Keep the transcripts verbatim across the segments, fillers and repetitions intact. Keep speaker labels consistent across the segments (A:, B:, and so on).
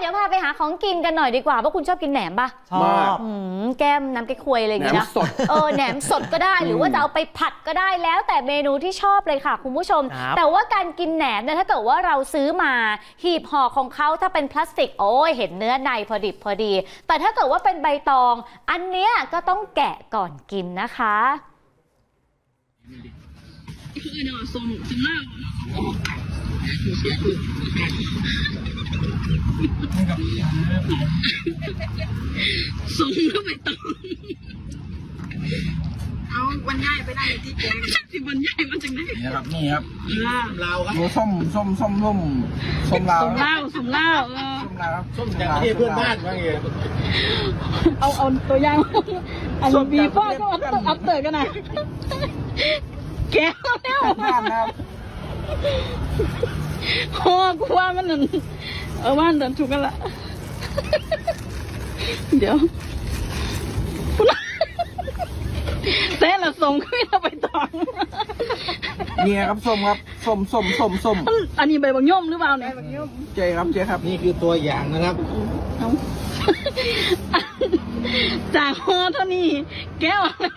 A: เดี๋ยวพาไปหาของกินกันหน่อยดีกว่าเพราะคุณชอบกินแหนมปะ
B: ชอบ
A: แก้มน้ำแกงควยอะไรอย่างเงี้ยนะเออแหนมสดก็ได้หรือว่าจะเอาไปผัดก็ได้แล้วแต่เมนูที่ชอบเลยค่ะคุณผู้ชมแต่ว่าการกินแหนมเนี่ยถ้าเกิดว่าเราซื้อมาหีบห่อของเขาถ้าเป็นพลาสติกโอ้ยเห็นเนื้อในพอดิบพอดีแต่ถ้าเกิดว่าเป็นใบตองอันเนี้ยก็ต้องแกะก่อนกินนะคะ
C: คือเนาะสมสมเล่าสมแล้วไปต่อเอาบรรยายไปได้ที่แกที่บรรยายมาจากไหน
B: นี่ครับนี่ครับลาวครับส้มส้มส้มส้มส้มลาว
C: สมเล่าสมเล่าเออ
B: ส้มลาวครับส้มจากที่เพื่อนบ้านว่าไง
C: เอาเอาตัวอย่างอันบีพ่อก็อัพเตอร์อัพเตอร์กันนะแก้วแล้ว
B: บ้านครับ
C: คอกูว่ามันนั่นเออว่าเดินถูกกันละเดี๋ยวเต้นละส่งขึ้นไปต่อ
B: นี่ครับส้มครับส้มส้มส้มส้ม
C: อันนี้ใบบางย่อมหรือเปล่าเนี่ย
B: เจ๊ครับเจ๊ครับนี่คือตัวอย่างนะครับ
C: จากคอเท่านี้แก้วแล้ว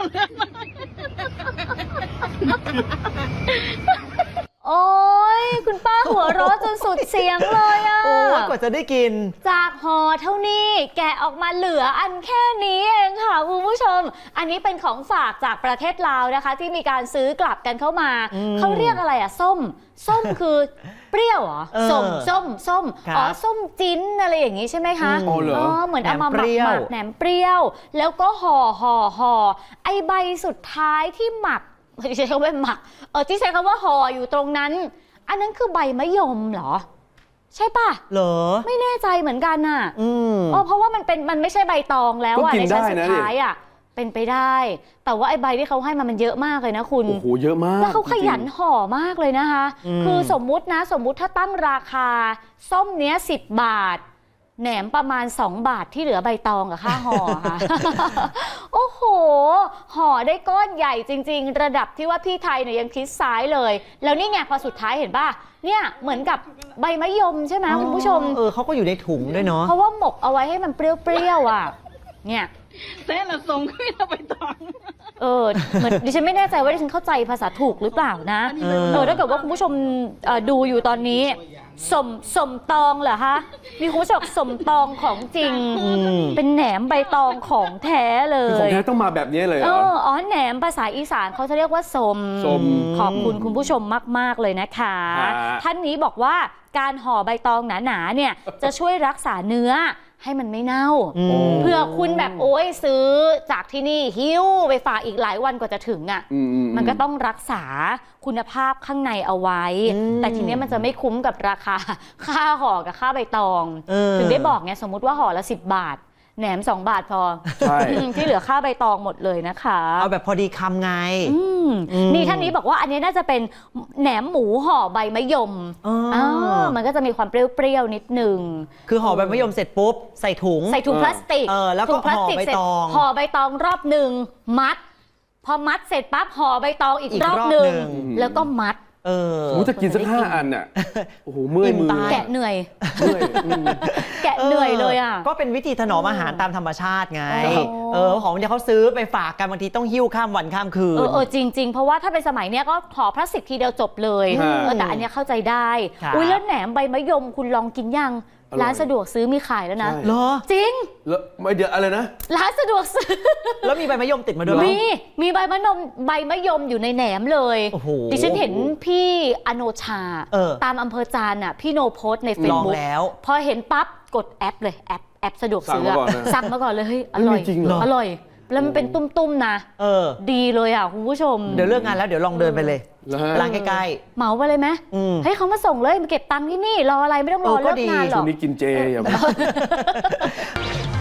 A: โอ้ยคุณป้าหัวเราะจนสุดเสียงเลยอ่ะ
D: โอ้ยกว่าจะได้กิน
A: จากห่อเท่านี้แกะออกมาเหลืออันแค่นี้เองค่ะคุณผู้ชมอันนี้เป็นของฝากจากประเทศลาวนะคะที่มีการซื้อกลับกันเข้ามาเขาเรียกอะไรอ่ะส้มส้มคือเปรี้ยวเหรอส้มส้มส้มอ๋อส้มจิ้นอะไรอย่างนี้ใช่ไหมคะ
B: อ๋อ
A: เหมือนเอามาหมักหมักแหนมเปรี้ยวแล้วก็ห่อห่อห่อไอใบสุดท้ายที่หมักที่ใช้คำว่าหมักเออที่ใช้คำว่าห่ออยู่ตรงนั้นอันนั้นคือใบมะยมเหรอใช่ป่ะ
D: เหรอ
A: ไม่แน่ใจเหมือนกันน่ะอืมเออเพราะว่ามันเป็นมันไม่ใช่ใบตองแล้วอ่ะในชั้นสุดท้ายอ่ะเป็นไปได้แต่ว่าไอ้ใบที่เขาให้มามันเยอะมากเลยนะคุณ
B: โอ้โหเยอะมาก
A: แล้วเขาขยันห่อมากเลยนะคะคือสมมุตินะสมมุติถ้าตั้งราคาส้มเนี้ยสิบบาทแหนมประมาณสองบาทที่เหลือใบตองกับค่าห่อค่ะโอ้โหห่อได้ก้อนใหญ่จริงๆระดับที่ว่าพี่ไทยเนี่ยยังคิดซ้ายเลยแล้วนี่ไงพอสุดท้ายเห็นป่ะเนี่ยเหมือนกับใบมะยมใช่ไหมคุณผู้ชม
D: เออเขาก็อยู่ในถุงด้วยเนาะ
A: เพราะว่าหมกเอาไว้ให้มันเปรี้ยวๆอ่ะเนี่ย
C: เต้นละส่งขึ้นไปต่อ
A: เออเหมือนดิฉันไม่แน่ใจว่าดิฉันเข้าใจภาษาถูกหรือเปล่านะเออถ้าเกิดว่าคุณผู้ชมดูอยู่ตอนนี้สมสมตองเหรอคะมีคุณผู้ชมสมตองของจริงเป็นแหนมใบตองของแท้เลย
B: ของแท้ต้องมาแบบนี้เลยเหรอ
A: อ๋อแหนมภาษาอีสานเขาจะเรียกว่าสมขอบคุณคุณผู้ชมมากๆเลยนะคะท่านนี้บอกว่าการห่อใบตองหนาๆเนี่ยจะช่วยรักษาเนื้อให้มันไม่เน่าเพื่อคุณแบบโอ้ยซื้อจากที่นี่หิ้วไปฝากอีกหลายวันกว่าจะถึงอ่ะมันก็ต้องรักษาคุณภาพข้างในเอาไว้แต่ทีนี้มันจะไม่คุ้มกับราคาค่าห่อกับค่าใบตองถึงได้บอกไงสมมุติว่าห่อละสิบบาทแหนมสองบาทพอที่เหลือค่าใบตองหมดเลยนะคะ
D: เอาแบบพอดีคำไง
A: นี่ท่านนี้บอกว่าอันนี้น่าจะเป็นแหนมหมูห่อใบมะยมอ๋อมันก็จะมีความเปรี้ยวๆนิดนึง
D: คือห่อใบมะยมเสร็จปุ๊บใส่ถุง
A: ใส่ถุงพลาสติก
D: เออแล้วก็ห่อใบตอง
A: ห่อใบตองรอบหนึ่งมัดพอมัดเสร็จปั๊บห่อใบตองอีกรอบหนึ่งแล้วก็มัด
D: เออ
B: โอ้จะกินสักห้าอันอ่ะโอ้โหเมื่อยมือ
A: แกะเหนื่อยแกะเหนื่อยเลยอ่ะ
D: ก็เป็นวิธีถนอมอาหารตามธรรมชาติไงเออของที่เขาซื้อไปฝากกันบางทีต้องหิ้วข้ามวันข้ามคืน
A: เออเออจริงๆเพราะว่าถ้าเป็นสมัยเนี้ยก็ห่อพลาสติกทีเดียวจบเลยแต่อันนี้เข้าใจได้อุ้ยแล้วแหนมใบมะยมคุณลองกินยังร้านสะดวกซื้อมีขายแล้วนะ
D: เหรอ
A: จริง
B: แล้วไม่เดี๋ยวอะไรนะ
A: ร้านสะดวกซื้อ
D: แล้วมีใบมะยมติดมาด้วย
A: มีมีใบมะนมใบมะยมอยู่ในแหนมเลยดิฉันเห็นพี่อโนชาตามอำเภอจานอ่ะพี่โนโพสในเฟซบุ๊กพอเห็นปั๊บกดแอปเลยแอปแอปสะดวกซื้อสั่งมาก่อนเลยเฮ้ยอร่อยอร่อยแล้วมันเป็นตุ้มๆนะ
D: เออ
A: ดีเลยอ่ะคุณผู้ชม
D: เดี๋ยวเลิกงานแล้วเดี๋ยวลองเดินไปเลยร้านใกล้
A: ๆเหมาไปเลยไหมให้เขามาส่งเลยมาเก็บตังค์ที่นี่รออะไรไม่ต้องรอเลิกงานหรอก
B: ช่วงนี้กินเจอย่า